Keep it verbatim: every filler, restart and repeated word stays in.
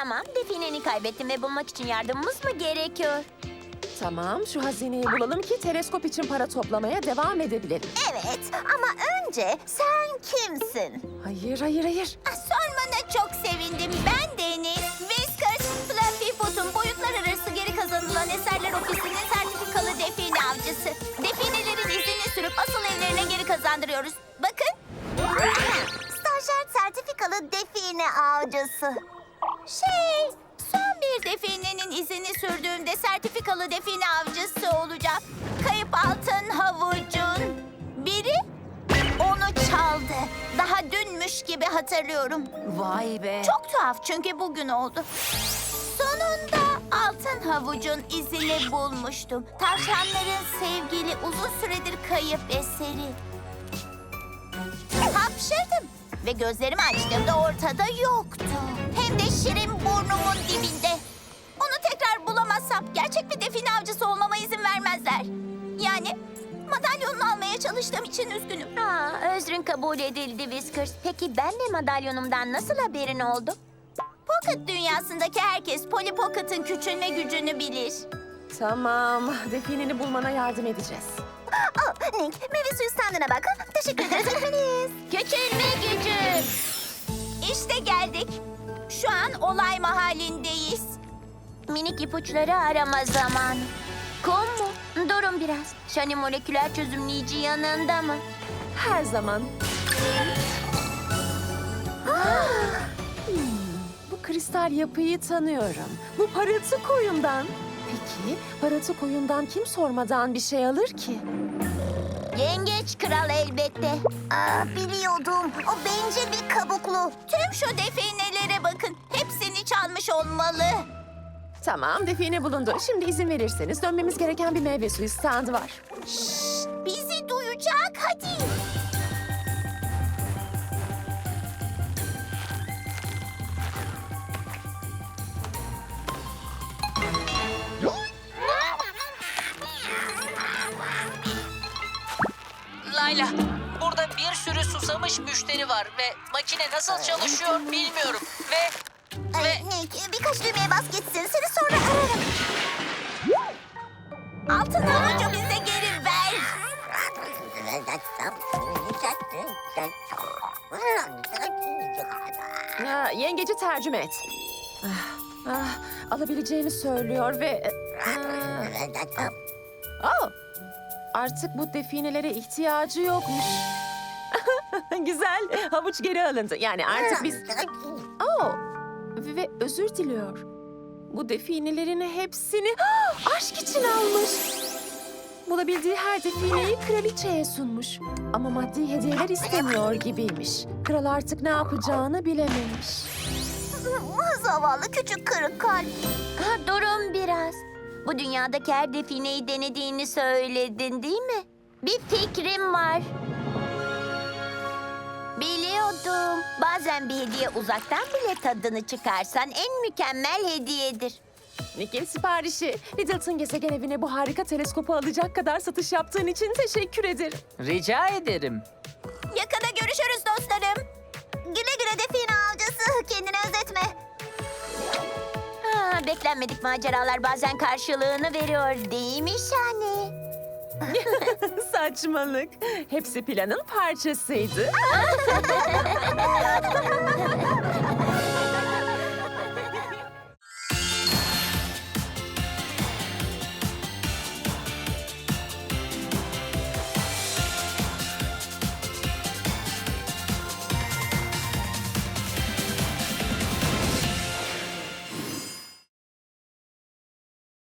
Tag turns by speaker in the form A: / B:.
A: Tamam, defineni kaybettim ve bulmak için yardımımız mı gerekiyor?
B: Tamam, şu hazineyi bulalım ki teleskop için para toplamaya devam edebilelim.
C: Evet ama önce sen kimsin?
B: Hayır, hayır, hayır.
C: Ah, sormana çok sevindim. Ben Deniz. Whiskers, Fluffy Foot'un boyutlar arası geri kazanılan eserler ofisinin sertifikalı define avcısı. Definelerin izini sürüp asıl evlerine geri kazandırıyoruz. Bakın. Stajyer sertifikalı define avcısı. Şey, son bir definenin izini sürdüğümde sertifikalı define avcısı olacağım. Kayıp altın havucun biri onu çaldı. Daha dünmüş gibi hatırlıyorum.
A: Vay be.
C: Çok tuhaf çünkü bugün oldu. Sonunda altın havucun izini bulmuştum. Tavşanların sevgili uzun süredir kayıp eseri. Hapşırdım ve gözlerimi açtığımda ortada yoktu. Hem de şirin burnumun dibinde. Onu tekrar bulamazsam gerçek bir define avcısı olmama izin vermezler. Yani madalyonunu almaya çalıştığım için üzgünüm.
A: Aa, özrün kabul edildi Whiskers. Peki ben de madalyonumdan nasıl haberin oldu?
C: Pocket dünyasındaki herkes Polly Pocket'ın küçülme gücünü bilir.
B: Tamam, defineni bulmana yardım edeceğiz.
C: Oh, Nick, meyve suyu standına bak. Teşekkür ederiz efendimiz.
A: Küçülme gücü.
C: İşte geldik. Şu an olay mahallindeyiz.
A: Minik ipuçları arama zamanı. Kum mu? Durun biraz. Shani moleküler çözümleyici yanında mı?
B: Her zaman. Hmm, bu kristal yapıyı tanıyorum. Bu parıltı koyundan. Peki, parıltı koyundan kim sormadan bir şey alır ki?
A: Yengeç kral elbette.
C: Aa, biliyordum. O bencil bir kabuklu. Tüm şu definelere bakın. Hepsini çalmış olmalı.
B: Tamam, define bulundu. Şimdi izin verirseniz dönmemiz gereken bir meyve suyu standı var.
C: Şşt, bizi duyacak. Hadi.
D: Layla, burada bir sürü susamış müşteri var ve makine nasıl çalışıyor bilmiyorum. Ve
C: Ay,
D: ve
C: Nick, birkaç düğmeye bas gitsin. Seni sonra ararım. Altın havucu bize geri ver.
B: Ya, yengeci tercüme et. Ah, ah, alabileceğini söylüyor ve... Ah, oh, artık bu definelere ihtiyacı yokmuş. Güzel, havuç geri alındı. Yani artık biz... Oh, ve, ve özür diliyor. Bu definelerin hepsini ah, aşk için almış. Bulabildiği her defineyi kraliçeye sunmuş. Ama maddi hediyeler istemiyor gibiymiş. Kral artık ne yapacağını bilememiş.
C: Zavallı küçük kırık kalp.
A: Ha, durun biraz. Bu dünyadaki her defineyi denediğini söyledin değil mi? Bir fikrim var. Biliyordum. Bazen bir hediye uzaktan bile tadını çıkarsan en mükemmel hediyedir.
B: Nick'in siparişi. Littleton gezegen evine bu harika teleskopu alacak kadar satış yaptığın için teşekkür ederim.
D: rica ederim.
C: Yakında görüşürüz dostlarım. Güle güle define avcısı. Kendini özetme.
A: Ha, beklenmedik maceralar bazen karşılığını veriyor değil mi Shani?
B: Saçmalık. Hepsi planın parçasıydı.